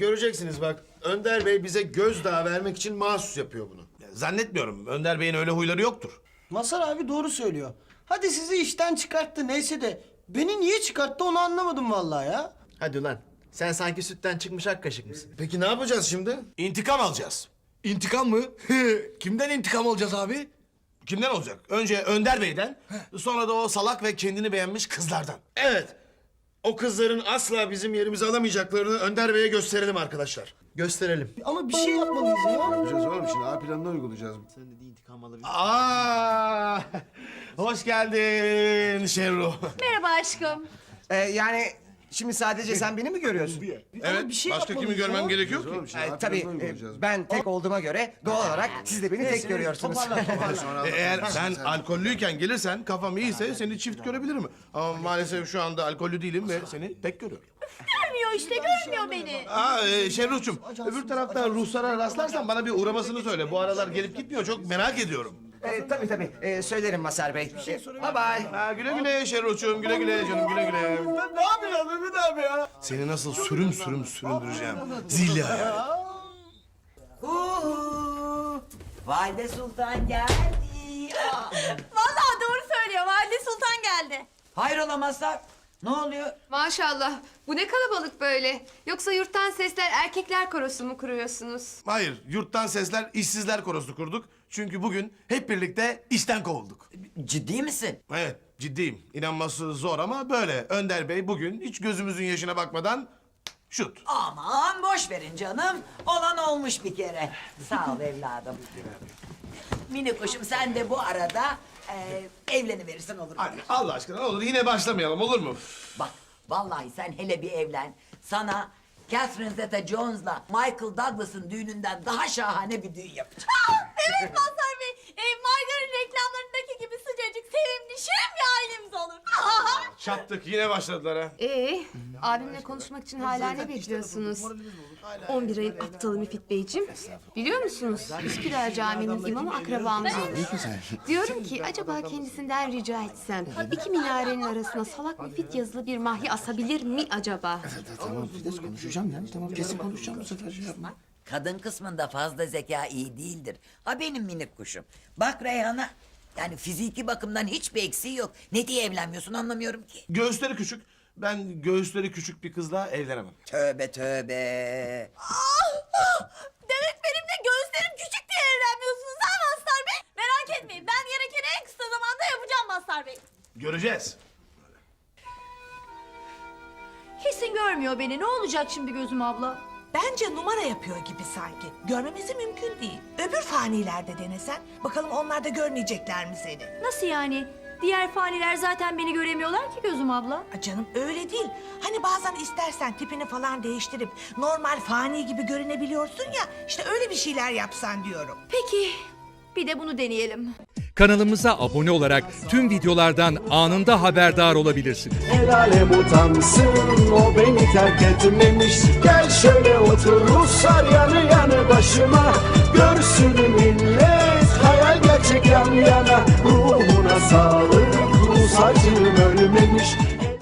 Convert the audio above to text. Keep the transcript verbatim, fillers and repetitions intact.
göreceksiniz bak. Önder Bey bize gözdağı vermek için mahsus yapıyor bunu. Zannetmiyorum. Önder Bey'in öyle huyları yoktur. Mazhar abi doğru söylüyor. Hadi sizi işten çıkarttı neyse de beni niye çıkarttı onu anlamadım vallahi ya. Hadi ulan. Sen sanki sütten çıkmış ak kaşık mısın? Peki ne yapacağız şimdi? İntikam alacağız. İntikam mı? Kimden intikam alacağız abi? Kimden olacak? Önce Önder Bey'den, sonra da o salak ve kendini beğenmiş kızlardan. Evet. O kızların asla bizim yerimizi alamayacaklarını Önder Bey'e gösterelim arkadaşlar. Gösterelim. Ama bir şey yapmalıyız ya. Yapacağız oğlum şimdi A planını uygulayacağız. Sen de intikam alabilir. Aa! Hoş geldin Şerru. Merhaba aşkım. Ee, yani şimdi sadece sen beni mi görüyorsun? Evet, bir şey başka kimi yapmalıyız görmem ya. gerekiyor ki? Ee, tabii e, ben tek olduğuma göre doğal olarak siz de beni tek görüyorsunuz. Toparla toparla. E, Eğer sen alkollüyken gelirsen kafam iyiyse seni çift görebilirim. Ama maalesef şu anda alkollü değilim ve seni tek görüyorum. Görmüyor işte, görmüyor beni. Aa e, Şerruh'cum öbür tarafta ruhsara rastlarsan bana bir uğramasını söyle. Bu aralar gelip gitmiyor, çok merak ediyorum. Ee, tabii tabii ee, söylerim Mazhar Bey. Bye bye. Ha, güle güle Şerruh'cum, güle güle canım, güle güle. Ne yapıyorsun Mehmet abi ya? Seni nasıl sürüm sürüm süründüreceğim. Zilli ayağı. Uhu, Valide Sultan geldi. Aa, Vallahi doğru söylüyor. Valide Sultan geldi. hayrola Mazhar? Ne oluyor? Maşallah. Bu ne kalabalık böyle. Yoksa yurttan sesler erkekler korosu mu kuruyorsunuz? Hayır, yurttan sesler işsizler korosu kurduk. Çünkü bugün hep birlikte işten kovulduk. Ciddi misin? Evet, ciddiyim. İnanması zor ama böyle. Önder Bey bugün hiç gözümüzün yaşına bakmadan şut. Aman boş verin canım. Olan olmuş bir kere. Sağ ol evladım. Mini kuşum sen de bu arada e, evleniverirsin olur mu? Hadi Allah aşkına ne olur yine başlamayalım olur mu? Bak vallahi sen hele bir evlen. Sana Catherine Zeta-Jones'la Michael Douglas'ın düğününden daha şahane bir düğün yapacağım. Evet Mazhar Bey. E, margarin reklamlarındaki gibi sıcacık, sevimli, şirin bir ailemiz olur. Çattık yine başladılar ha. Ee, abimle konuşmak için hala ne bekliyorsunuz? on bir ayın aptalı Müfit Beyciğim. Biliyor musunuz? Üsküdar Camii'nin imamı akrabamız olur. Diyorum ki acaba kendisinden rica etsem iki minarenin arasına salak Müfit yazılı bir mahya asabilir mi acaba? Tamam Fides konuşacağım ya. Tamam kesin konuşacağım bu sefer şey yapma. Kadın kısmında fazla zeka iyi değildir. Ha benim minik kuşum. Bak Reyhan'a. Yani fiziki bakımdan hiçbir eksiği yok. Ne diye evlenmiyorsun anlamıyorum ki. Göğüsleri küçük. Ben göğüsleri küçük bir kızla evlenemem. Tövbe tövbe. Demek benimle göğüslerim küçük diye evlenmiyorsunuz ha Mazhar Bey? Merak etmeyin. Ben gerekeni en kısa zamanda yapacağım Mazhar Bey. Göreceğiz. Kesin görmüyor beni. Ne olacak şimdi gözüm abla? Bence numara yapıyor gibi sanki. Görmemesi mümkün değil. Öbür fanilerde denesen. Bakalım onlar da görmeyecekler mi seni? Nasıl yani? Diğer faniler zaten beni göremiyorlar ki gözüm abla. Aa, canım öyle değil. Hani bazen istersen tipini falan değiştirip normal fani gibi görünebiliyorsun ya. İşte öyle bir şeyler yapsan diyorum. Peki. Bir de bunu deneyelim. Kanalımıza abone olarak tüm videolardan anında haberdar olabilirsiniz. El alem utansın o beni terk etmemiş. Gel şöyle otur Ruslar yanı yanı başıma. Görsün millet hayal gerçek yan yana. Ruhuna sağlık Rus acım ölmemiş.